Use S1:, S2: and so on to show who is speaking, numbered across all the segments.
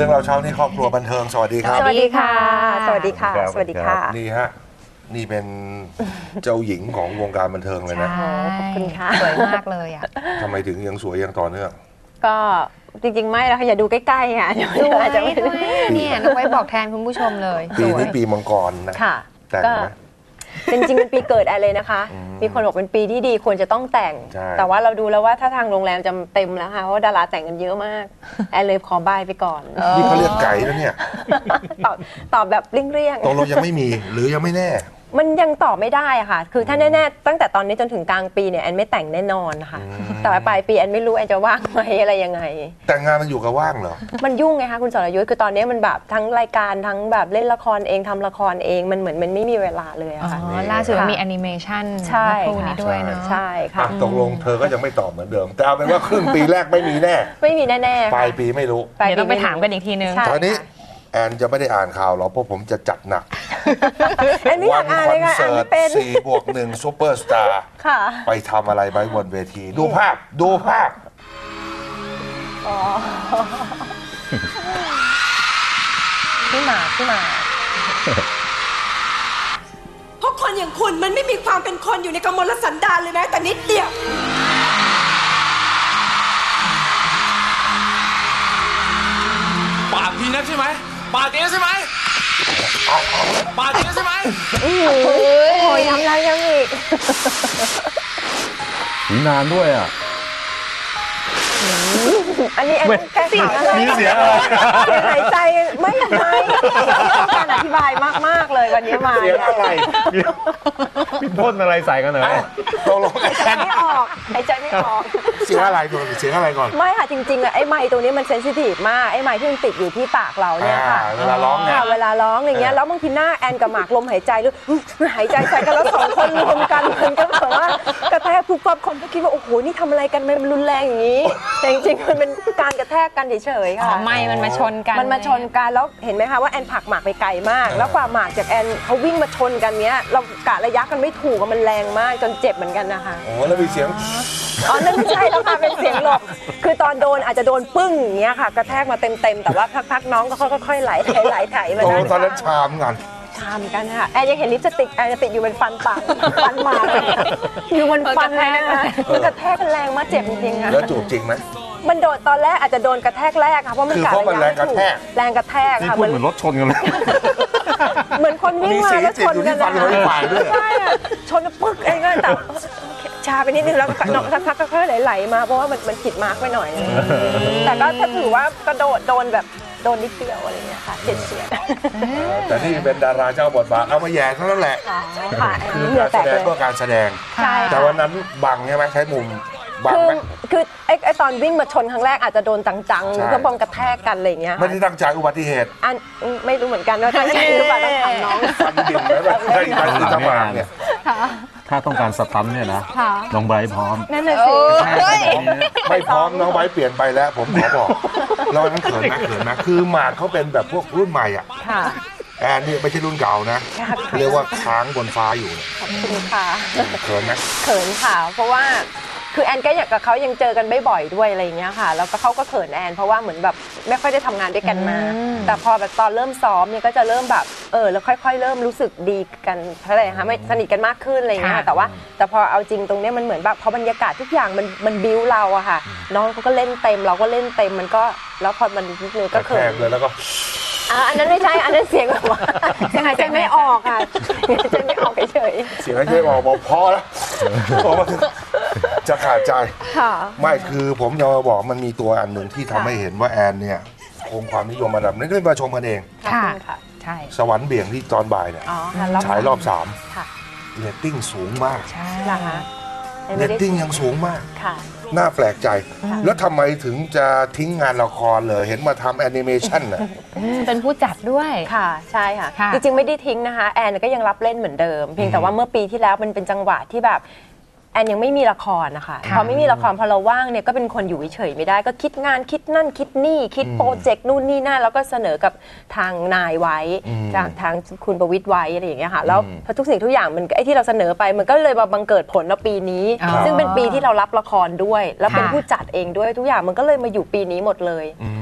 S1: รื่องเราเช้านี้ครอบครัวบันเทิงสวัสดีครับ
S2: สวัสดีค่ะ สวัสดีค่ะ สวัสดีค่ะ
S1: นี่ฮะนี่เป็นเจ้าหญิงของวงการบันเทิงเลยนะ
S2: ขอบคุณค่ะ
S3: สวยมากเลยอ่ะ
S1: ทำไมถึงยังสวยยังต่อเนื่อง
S2: ก็จริงๆไม่แล้วค่ะอย่าดูใกล้ๆค่ะเดี๋ยว
S3: สวย
S2: อาจจะไม่
S3: ด้วยเนี่ยน้องไว้บอกแทนคุณผู้ชมเลย
S1: ปี
S3: สวย
S1: นี้ปีมังกรนะ
S2: ค่ะ
S1: แต่ง
S2: ก็
S1: ไหม
S2: จริงๆเป็นปีเกิดแอนเลยนะคะ มีคนบอกเป็นปีที่ดีควรจะต้องแต่ง
S1: ใช่
S2: แต่ว่าเราดูแล้วว่าถ้าทางโรงแรมจะเต็มแล้วค่ะเพราะว่าดาราแต่งกันเยอะมากแอนเลยขอบายไปก่อน
S1: นี่เขาเรียกไก่แล้วเนี่ย
S2: ตอบแบบเลี่ยง
S1: ตกลงยังไม่มีหรือยังไม่แน่
S2: ๆมันยังตอบไม่ได้อะค่ะ คือถ้าแน่ๆตั้งแต่ตอนนี้จนถึงกลางปีเนี่ยแอนไม่แต่งแน่นอนค่ะแต่ว่าปลายปีแอนไม่รู้แอนจะว่างไหมอะไรยังไง
S1: แต่งงานมันอยู่กับว่างเหรอ
S2: มันยุ่งไงคะคุณสรยุทธคือตอนนี้มันแบบทั้งรายการทั้งแบบเล่นละครเองทำละครเองมันเหมือนมันไม่มีเวลาเลยอะค่ะ
S3: ล่าสุดมีแอนิเมชัน
S2: ใช่
S3: คู่นี้ด้วยเนาะ
S2: ใช่ค่ะ
S1: ตกลงเธอก็ยังไม่ตอบเหมือนเดิม แต่เอาเป็นว่าครึ่งปีแรกไม่มีแน่
S2: ไม่มีแน่ๆ
S1: ปลายปีไม่รู้
S3: เดี๋ยวต้องไปถามกันอีกทีนึง
S2: ใช่
S1: ตอนนี้แอนจะไม่ได้อ่านข่าวหรอกเพราะผมจะจัดหนัก
S2: แอนไม่อยากอ่านเลยค่ะ
S1: ค
S2: อ่าน
S1: เสิร์
S2: ไม่
S1: ต
S2: เป็น
S1: 4+1 ซูเปอร์สตาร์
S2: ค่ะ
S1: ไปทำอะไรไว้บนเวที ดูภาพดูภาพ
S2: พี่หมาก
S4: เพราะคนอย่างคุณมันไม่มีความเป็นคนอยู่ในกมลสันดานเลยแม้แต่นิดเดียว
S5: ปาดทีนักใช่ไหมปาดทีนักใช่ไหมปาดทีนักใช่ไหม
S2: โอ้ยทำไรยังอีก
S6: ถึงนานด้วยอ่ะ
S2: อันนี้แอนแก้ข่าวอะไร
S6: มีเสียงอะไร
S2: เสียงหายใจไม่ต้องการอธิบายมากๆเลยวันนี้มา
S1: เสียงอะไร
S6: พี่พ่นอะไรใส่กันเหรอ
S1: ตกลงแอ
S2: หายใจ
S1: น
S2: ไม่ออกหายใจไม่ออก
S1: เสียงอะไรก่อนเสียงอะไรก่อน
S2: ไม่ค่ะจริงๆอะไอ้ไมค์ตัวนี้มันเซนซิทีฟมากไอ้ไมค์ที่มันติดอยู่ที่ปากเราเนี่ยค่ะ
S1: เวลาร้องเนี่ย
S2: ค่ะเวลาร้องอย่างเงี้ยแล้วบางทีหน้าแอนกับหมากลมหายใจหรือหายใจใส่กันแล้วสองคนรวมกันมันก็แบบว่ากระแทกปุ๊บปั๊บคนก็คิดว่าโอ้โหนี่ทำอะไรกันมันรุนแรงอย่างนี้แต่จริงๆมันเป็นการกระแทกกันเฉยๆ
S3: อ๋อ
S2: ค่ะ
S3: ไม่มันมาชนกัน
S2: มันมาชนกันแล้วเห็นไหมคะว่าแอนผลักหมากไปไกลมาก แล้วกว่าหมากจากแอนเขาวิ่งมาชนกันเนี้ยเรากะระยะกันไม่ถูกอะมันแรงมากจนเจ็บเหมือนกันนะคะ
S1: โอ้แล้วมีเสียง
S2: อ๋อนั่นไม่ใช่แล้วค่ะเป็นเสียงหลบคือตอนโดนอาจจะโดนปึ้งอย่างเงี้ยค่ะ กระแทกมาเต็มๆแต่ว่าพักๆน้องก็ค่อยๆไหลไถมา
S1: ตกล
S2: ด้าง น
S1: ตอนนั้นชามกัน
S2: ชามกันค่ะแอนยังเห็นลิปสติกแอนจะติดอยู่บนฟันปากฟันหมากอยู่บนฟันนะคะคือกระแทกกันแรงมากเจ็บจริงๆค่ะ
S1: แล้วจูบจริงไหม
S2: มันโดนตอนแรกอาจจะโดนกระแทกแรกค่ะเพราะมัน
S1: คือ
S2: กะ
S1: เพราะมัน
S2: ระยะไม่ถูก
S1: แรงกระแทก
S2: แรงกระแทก
S6: นี่
S2: ค่ะ
S6: พูดเหมือนรถชนกันเลย
S2: เหมือนคนวิ่งมาแล้วชนกัน
S1: มีเสียงติดอยู่ที่ฟันของอีกฝ่ายด้วย
S2: ใช่อะชนแล้วปึ๊กเองก็แต่ชาไปนิดนึงแล้วก็น้องสักพักก็ค่อยไหลๆมาเพราะว่ามันผิดมาร์กไปหน่อยแต่ก็ถ้าถือว่ากระโดดโดนแบบโดนนิดเดียวอะไรเงี้ยค่ะเฉียด
S1: แต่นี่เป็นดาราเจ้าบทบาทเอามาแย่เท่านั้นแหละ
S2: ๆค่ะอัน
S1: คื
S2: นี้
S1: อ
S2: เหงื่
S1: กา
S2: อ
S1: ร
S2: แต
S1: แส
S2: ก
S1: ด
S2: เล
S1: ง
S2: ย
S1: เพื่อการแสดง
S2: ใช่
S1: แต่
S2: ค่ะ
S1: วันนั้นบังใช่ไหมใช้มุมบัง
S2: คือ
S1: ไหม
S2: คือไอ้ตอนวิ่งมาชนครั้งแรกอาจจะโดนจัง
S1: ใช่
S2: ๆก็บองกระแทกกันอะไรเงี้ย
S1: ไม่ได้ตั้งใจอุบัติเหตุ
S2: อันไม่รู้เหมือนกันว่าตั้งใจหรือเปล่าต้องถามน้อง
S1: ฟันบินแล้วแบบใช่การคือทำมาเนี่ย
S6: ถ้าต้องการสตันเนี่ยนะน้องไบรท์พร้อม
S2: นั่นน่ะสิ
S1: ไม่พร้อมน้องไว้เปลี่ยนไปแล้ว ผมขอบอกแล้ววันนั้นเขินนะคือหมากเขาเป็นแบบพวกรุ่นใหม่อ่ะ
S2: ค่ะ
S1: แอนนี่ไม่ใช่รุ่นเก่านะ เรียกว่าค้างบนฟ้าอยู่เนี่ย
S2: ขอบคุณค่ะ
S1: เขินนะ
S2: เขินค่ะ เพราะว่าคือแอนก็อยากกับเขายังเจอกันไม่บ่อยด้วยอะไรอย่างเงี้ยค่ะ แล้วก็เขาก็เขินแอนเพราะว่าเหมือนแบบไม่ค่อยได้ทำงานด้วยกันมา แต่พอแบบตอนเริ่มซ้อมเนี่ยก็จะเริ่มแบบแล้วค่อยๆเริ่มรู้สึกดีกันเท่าไหร่คะไม่สนิทกันมากขึ้นอะไรอย่างเงี้ยค่ะแต่พอเอาจริงตรงเนี้ยมันเหมือนแบบพอบรรยากาศทุกอย่างมันบิ้วเราอะค่ะ น้องเขาก็เล่นเต็มเราก็เล่นเต็มมันก็แล้วพอมันนิดนึง
S1: ก
S2: ก็
S1: ระแท
S2: เขิ
S1: ก
S2: น
S1: เลยแล้วก็
S2: อันนั้นไม่ใช่อันนั้นเสียงแบบว่าเสียงหายใจไม่ออกค่ะหายใจไม่ออกเฉย
S1: เสียงให้บอกพอแล้วพอมาถึงจะขาดใจ
S2: ๆค่ะ
S1: ไม่คือผมจะมาบอกมันมีตัวอันหนึ่งที่ทำให้เห็นว่าแอนเนี่ยคงความนิยมระดับนี้ได้มาชมกันเอง
S3: ค่ะ
S2: ค่ะ
S3: ใช่
S1: สวรรค์เบี่ยงที่ตอนบ่ายเนี่ย
S2: อ๋อค่ะ
S1: ฉายรอบ
S2: ค่ะ
S1: 3เรตติ้งสูงมาก
S3: ใช่
S2: เหรอคะ
S1: เรตติ้งยังสูงมาก
S2: ค่ะ
S1: น่าแปลกใจ แล้วทำไมถึงจะทิ้งงานละครเลยเห็นมาทำแอนิเมชันน่ะ
S3: เป็นผู้จัดด้วย
S2: ค่ะใช่ค่ะ
S3: ค่ะ
S2: จริงๆไม่ได้ทิ้งนะคะแอนก็ยังรับเล่นเหมือนเดิม เพียงแต่ว่าเมื่อปีที่แล้วมันเป็นจังหวะที่แบบแอนยังไม่มีละครนะคะพอไม่มีละครพอเราว่างเนี่ยก็เป็นคนอยู่เฉยๆไม่ได้ก็คิดงานคิดนั่นคิดนี่คิดโปรเจกต์นู่นนี่นั่นแล้วก็เสนอกับทางนายไว้ทางคุณประวิตรไว้อะไรอย่างเงี้ยค่ะแล้วพอทุกสิ่งทุกอย่างมันไอ้ที่เราเสนอไปมันก็เลยมาบังเกิดผลในปีนี้
S3: อ๋อ
S2: ซึ่งเป็นปีที่เรารับละครด้วย แล้วเป็น
S3: ค่ะ
S2: ผู้จัดเองด้วยทุกอย่างมันก็เลยมาอยู่ปีนี้หมดเลย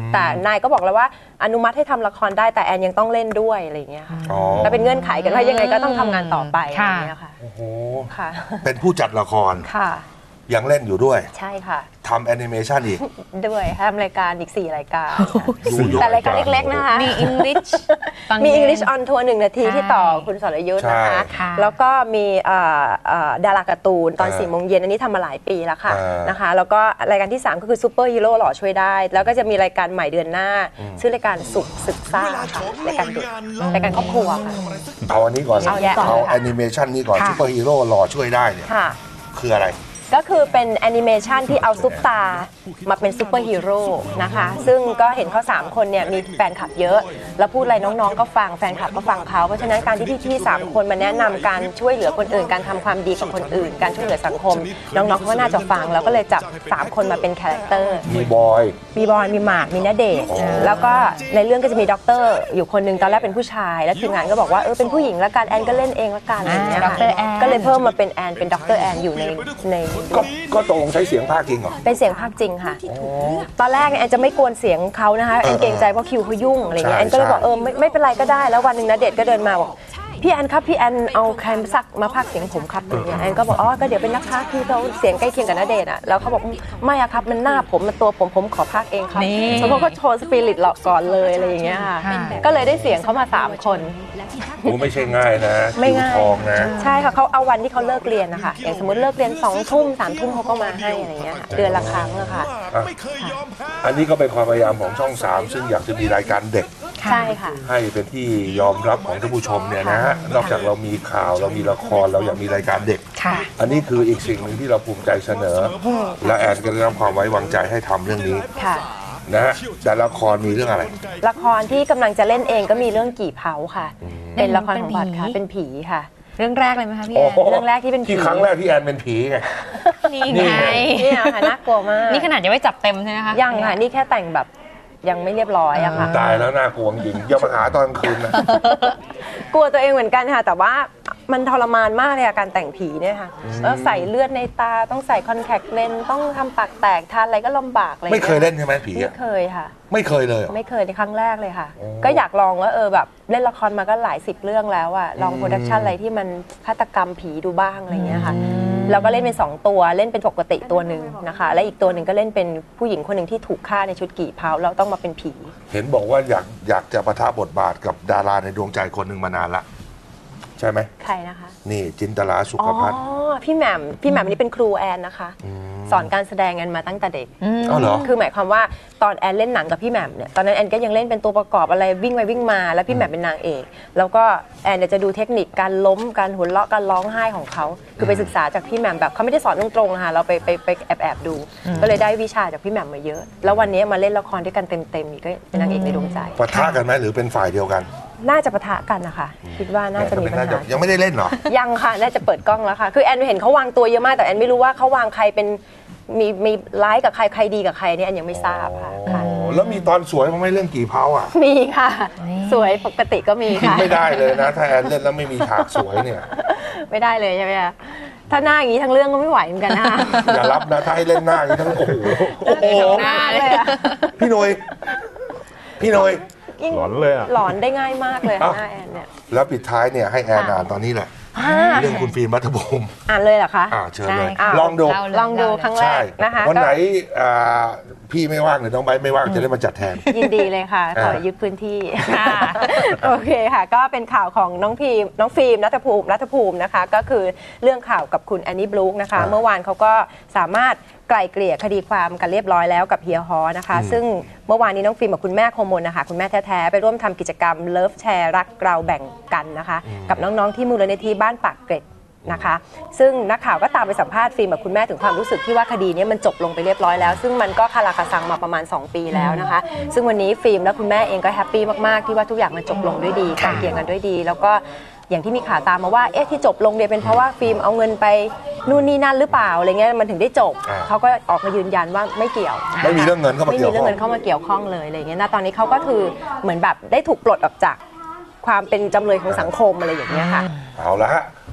S2: แต่นายก็บอกแล้วว่าอนุมัติให้ทำละครได้แต่แอนยังต้องเล่นด้วยอะไรอย่างเงี้ยค่ะ
S1: อ๋อ
S2: ก็เป็นเงื่อนไขกันว่ายังไงก็ต้องทำงานต่อไปอะไร
S3: ค่ะ
S2: อย่างเงี้ยค่ะ
S1: โอ้โห
S2: ค่ะ
S1: เป็นผู้จัดละคร
S2: ค่ะ
S1: ยังเล่นอยู่ด้วย
S2: ใช่ค่ะ
S1: ทำแอนิเมชันอีก
S2: ด้วยทำรายการอีก4รายการ
S1: ดูยก
S2: แต่รายการเล็กๆนะคะ
S3: มี English ตอน
S2: มี
S3: เย็น
S2: English on Tour 1 นาที
S3: ใช่
S2: ที่ต่อคุณสรยุทธ์นะคะ
S3: ค่ะ
S2: แล้วก็มีดาราการ์ตูนตอน
S1: อ่า
S2: 4 โมงเย็นอันนี้ทำมาหลายปีแล้วค่ะ
S1: อ่าน
S2: นะคะ แล้วก็รายการที่ 3 ก็คือซูเปอร์ฮีโร่หล่อช่วยได้ แล้วก็จะมีรายการใหม่เดือนหน้า ชื่อรายการสุขศึกษาค่ะรายการเด็กรายการครอบครัวค่ะ
S1: เอาอันนี้ก่อน
S2: เอาแยะ
S1: เอาแอนิเมชันนี้ก่อน
S3: ค่ะ
S1: ซูเปอร์ฮีโร่รอช่วยได้เนี่ย
S2: ค่ะ
S1: คืออะไร
S2: ก็คือเป็นแอนิเมชันที่เอาซุปตามาเป็นซูเปอร์ฮีโร่นะคะ ซึ่งก็เห็นเขา3 คนเนี่ยมีแฟนคลับเยอะ แล้วพูดอะไรน้องๆก็ฟังแฟนคลับก็ฟังเขาเพราะฉะนั้นการที่พี่ๆ3 คนมาแนะนำการช่วยเหลือคนอื่นการทำความดีกับคนอื่น การช่วยเหลือสังคม น้องๆเขาก็น่าจะฟังแล้วก็เลยจับ3 คนมาเป็นคาแรคเตอร์
S1: มีบอย
S2: มีบอยมีหมากมีณเดชน์แล้วก็ในเรื่องก็จะมีด็อกเตอร์อยู่คนหนึ่งตอนแรกเป็นผู้ชาย แล้วทีมงานก็บอกว่าเป็นผู้หญิงละกันแอนก็เล่นเองละกันอะไรอย่างเงี้ยค่ะ
S3: ดร. แอน
S2: ก็เลยเพิ่มมาเป็นแอนเป็นด็อกเตอร์แอนอยู่ใน
S1: ก็ตรงใช้เสียงภาคจริงเหรอ
S2: เป็นเสียงภาคจริงค่ะ ตอนแรกเนี่ยแอนจะไม่กวนเสียงเขานะคะแอนเกรงใจเพราะคิวเขายุ่งอะไรเงี้ย
S1: ใช่
S2: แอนก็เลยบอก
S1: ใช่
S2: ไม่เป็นไรก็ได้ แล้ววันหนึ่งณเดชน์ก็เดินมาบอกพี่แอนครับพี่แอนเอาใครมาสักมาพากย์เสียงผมครับอย่างเงี้ยแอนก็บอกก็เดี๋ยวเป็นนักพากย์ที่เขาเสียงใกล้เคียงกับณเดชน์อ่ะแล้วเขาบอกไม่อะครับมันหน้าผมมันตัวผมขอพากย์เองครับ
S3: นี่
S2: แล้วเขาก็โชว์สปิริตหลอกก่อนเลยอะไรอย่างเงี้ยค่ะ
S3: ค่ะ
S2: ก็เลยได้เสียงเขามา3 คน
S1: โอ้ไม่ใช่ง่ายนะ
S2: ไม่
S1: คิว
S2: ง่าย
S1: ทองนะ
S2: ใช่ค่ะเขาเอาวันที่เขาเลิกเรียนนะคะอย่างสมมติเลิกเรียน2 ทุ่ม3 ทุ่มเขาก็มาให้อะไรเงี้ยค่ะเดือนละครั้งอะค่ะ
S1: อันนี้ก็เป็นความพยายามของช่อง 3 ซึ่งอยากจะมีรายการเด็ก
S2: ใช่ค่ะ
S1: ให้เป็นที่ยอมรับของท่านผู้ชมเนี่ยนะฮะ นอกจากเรามีข่าวเรามีละครเราอยากมีรายการเด็ก
S3: ค่ะ
S1: อันนี้คืออีกสิ่งหนึ่งที่เราภูมิใจเสนอ และแอนก็ได้รับความไว้วางใจให้ทำเรื่องนี้
S2: ค่ะ
S1: นะฮะแต่ละครมีเรื่องอะไร
S2: ละครที่กำลังจะเล่นเองก็มีเรื่องกี่เผาค่ะ เป็นละครของบัตรค่ะ เป็นผีค่ะ
S3: เรื่องแรกเลยไหมคะพี่
S1: โอ้
S3: แอน
S1: โห
S2: เรื่องแรกที่เป็นผี
S1: ที่ครั้งแรกที่แอนเป็นผีไง
S3: นี่
S1: นี่
S3: ไง
S1: ไง
S2: เนี่ยค่ะน่ากลัวมาก
S3: นี่ขนาดยังไม่จับเต็มใช่ไหมคะ
S2: ยังค่ะ นี่แค่แต่งแบบยังไม่เรียบร้อยอะค่ะ
S1: ตายแล้วน่ากลัวจริงอย่ามาหาตอนกลางคืนนะ
S2: กลัวตัวเองเหมือนกันค่ะ แต่ว่ามันทรมานมากเลยอะการแต่งผีเนี่ยค่ะแล้วใส่เลือดในตาต้องใส่คอนแทคเลนส์ต้องทำปากแตกทานอะไรก็ลำบากเลย
S1: ไม่เคยเล่นใช่ไหมผี
S2: ไม่
S1: อะ
S2: เคยค่ะ
S1: ไม่เคยเลยเหรอ
S2: ไม่เคยในครั้งแรกเลยค่ะ ก็อยากลองว่าแบบเล่นละครมาก็หลาย10 เรื่องแล้วอะลองโปรดักชันอะไรที่มันฆาตกรรมผีดูบ้างอะไรเงี้ยค่ะแล้วก็เล่นเป็น2 ตัวเล่นเป็นปกติตัวหนึ่งนะคะ และอีกตัวหนึ่งก็เล่นเป็นผู้หญิงคนหนึ่งที่ถูกฆ่าในชุดกี่เผาแล้วต้องมาเป็นผี
S1: เห็นบอกว่าอยากจะปะทะบทบาทกับดาราในดวงใจคนหนึ่งมานานละใช่ไหม
S2: ใครนะคะ
S1: นี่จินตลาสุ
S2: อ๋
S1: ข
S2: อ
S1: ภัทร
S2: พี่แหม่มนี่เป็นครูแอนนะคะ สอนการแสดงแอนมาตั้งแต่เด็ก
S1: อ้าวเหรอ
S2: คือหมายความว่าตอนแอนเล่นหนังกับพี่แหม่มเนี่ยตอนนั้นแอนก็ยังเล่นเป็นตัวประกอบอะไรวิ่งไปวิ่งมาแล้วพี่แหม่มเป็นนางเอกแล้วก็แอนเนี่ยจะดูเทคนิคการล้มการหัวเราะการร้องไห้ของเขาคือไปศึกษาจากพี่แหม่มแบบเขาไม่ได้สอนตรงๆอะค่ะเราไปแอบดู ก็เลยได้วิชาจากพี่แหม่มมาเยอะ แล้ววันนี้มาเล่นละครด้วยกันเต็มๆอีกก็เป็นนางเอกในดวงใจ
S1: ปะทะกันไหมหรือเป็นฝ่ายเดียวกัน
S2: น่าจะปะทะกันนะคะคิดว่าน่าจะมีปัญหา
S1: ยังไม่ได้เล่นเหรอ
S2: ยังค่ะ น่าจะเปิดกล้องแล้วค่ะ คือแอนเห็นเขาวางตัวเยอะมาก แต่แอนไม่รู้ว่าเขาวางใครเป็นมีร้ายกับใครใครดีกับใครเนี่ยแอนยังไม่ทราบค่ะค่ะ
S1: แล้วมีตอนสวยมั้ยไม่เรื่องกี่เผาอ่ะ
S2: มีค่ะ สวยปกติก็มี
S1: กิน
S2: ค่ะ
S1: ไม่ได้เลยนะ ถ้าแอนเล่นแล้วไม่มีฉากสวยเนี่ย
S2: ไม่ได้เลยใช่ไหมคะถ้าหน้าอย่างนี้ทั้งเรื่องก็ไม่ไหวเหมือนกันนะคะ
S1: อย่ารับนะถ้าให้เล่นหน้าอย่างนี้ทั้งโอ้โหโอ้โห
S2: หน้าเลยอะ
S1: พี่หนุ่ยพี่หนุ่ย
S2: ยิ่ง
S6: หลอนเลยอะ
S2: หลอนได้ง่ายมากเลย
S1: เอ้า
S2: หน้าแอนเนี่ย
S1: แล้วปิดท้ายเนี่ยให้แอนอ่านตอนนี้แหละ เรื่องคุณฟิล์มรัฐภูมิ
S2: อ่านเลยเหรอคะ
S1: เชิญเลย
S2: ใช่
S1: ลองดู
S2: ลองดูครั้งแร
S1: ใช่
S2: กนะคะ
S1: วันไหน
S2: ก็
S1: พี่ไม่ว่างหรือน้องไบร์ทไม่ว่างจะได้มาจัดแทน
S2: ยินดีเลยค่ะขอยึดพื้นที่โอเคค่ะ ก็เป็นข่าวของน้องฟิล์มรัฐภูมินะคะ ก็คือเรื่องข่าวกับคุณแอนนี่บลูคนะคะ เมื่อวานเขาก็สามารถไกล่เกลี่ยคดีความกันเรียบร้อยแล้วกับเฮียฮอนะคะ ซึ่งเมื่อวานนี้น้องฟิล์มกับคุณแม่โคมลนะคะคุณแม่แท้ๆไปร่วมทำกิจกรรมเลิฟแชร์รักเราแบ่งกันนะคะ กับน้องๆที่มูลนิธิบ้านปากเกร็ดนะคะซึ่งนักข่าวก็ตามไปสัมภาษณ์ฟิล์มกับคุณแม่ถึงความรู้สึกที่ว่าคดีนี้มันจบลงไปเรียบร้อยแล้วซึ่งมันก็คาราคาซังมาประมาณ2 ปีแล้วนะคะซึ่งวันนี้ฟิล์มและคุณแม่เองก็แฮปปี้มากๆที่ว่าทุกอย่างมันจบลงด้วยดีไกลเกลี่ยกันด้วยดี แล้วก็อย่างที่มีข่าวตามมาว่าที่จบลงเนี่ยเป็นเพราะว่าฟิล์มเอาเงินไปนู่นนี่นั่นหรือเปล่าอะไรเงี้ยมันถึงได้จบเขาก็ออกมายืนยันว่าไม่เกี่ยว
S1: ไม่มีเรื่องเงินเข้ามา
S2: ไม่
S1: เกี่
S2: มี
S1: ยว
S2: เรื่อ
S1: ข้อง
S2: เงินเข้ามาเกี่ยวข้องเลยอะไรเงี้ยนะตอนนี้เขาก็คือเหมือนแบบได้ถูกปลดออกจากความเป็นจำเลยของสังคมอะไรอย่างเงี้ยค่ะ
S1: เอาละฮะ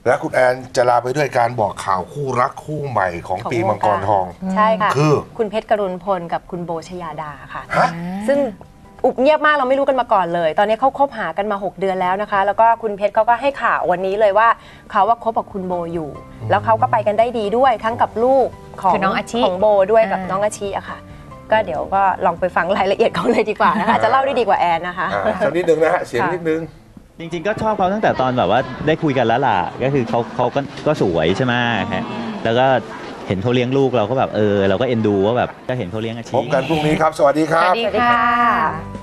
S1: และคุณแอนจะลาไปด้วยการบอกข่าวคู่รักคู่ใหม่ของปีมังกรทอง
S2: ใช่ค่ะ
S1: คือ
S2: คุณเพชรกรุณพลกับคุณโบชยาดาค่ะ
S1: ฮะ
S2: ซึ่งอุบเงียบมากเราไม่รู้กันมาก่อนเลย ตอนนี้เขาคบหากันมา 6 เดือนแล้วนะคะ แล้วก็คุณเพชรเขาก็ให้ข่าววันนี้เลยว่าเขาว่าคบกับคุณโบอยู่ แล้วเขาก็ไปกันได้ดีด้วยทั้งกับลูกของ
S3: คือน้องอาชิ
S2: ของโบด้วยกับน้องอาชิอะค่ะ ก็เดี๋ยวก็ลองไปฟังรายละเอียดเขาเลยดีกว่านะคะจะเล่าได้ดีกว่าแอนนะคะ
S1: สักนิดนึงนะฮะเสียงนิดนึง
S7: จริงๆก็ชอบเขาตั้งแต่ตอนแบบว่าได้คุยกันแล้วล่ะก็คือเขาก็สวยใช่ไหมฮะแล้วก็เห็นเขาเลี้ยงลูกเราก็แบบเราก็เอ็นดูว่าแบบก็เห็นเขาเลี้ยงอาชี
S1: พบกันพรุ่งนี้ครับ สวัสดีค
S3: ส
S1: รั
S3: วั
S1: บ
S3: สดีค่ะ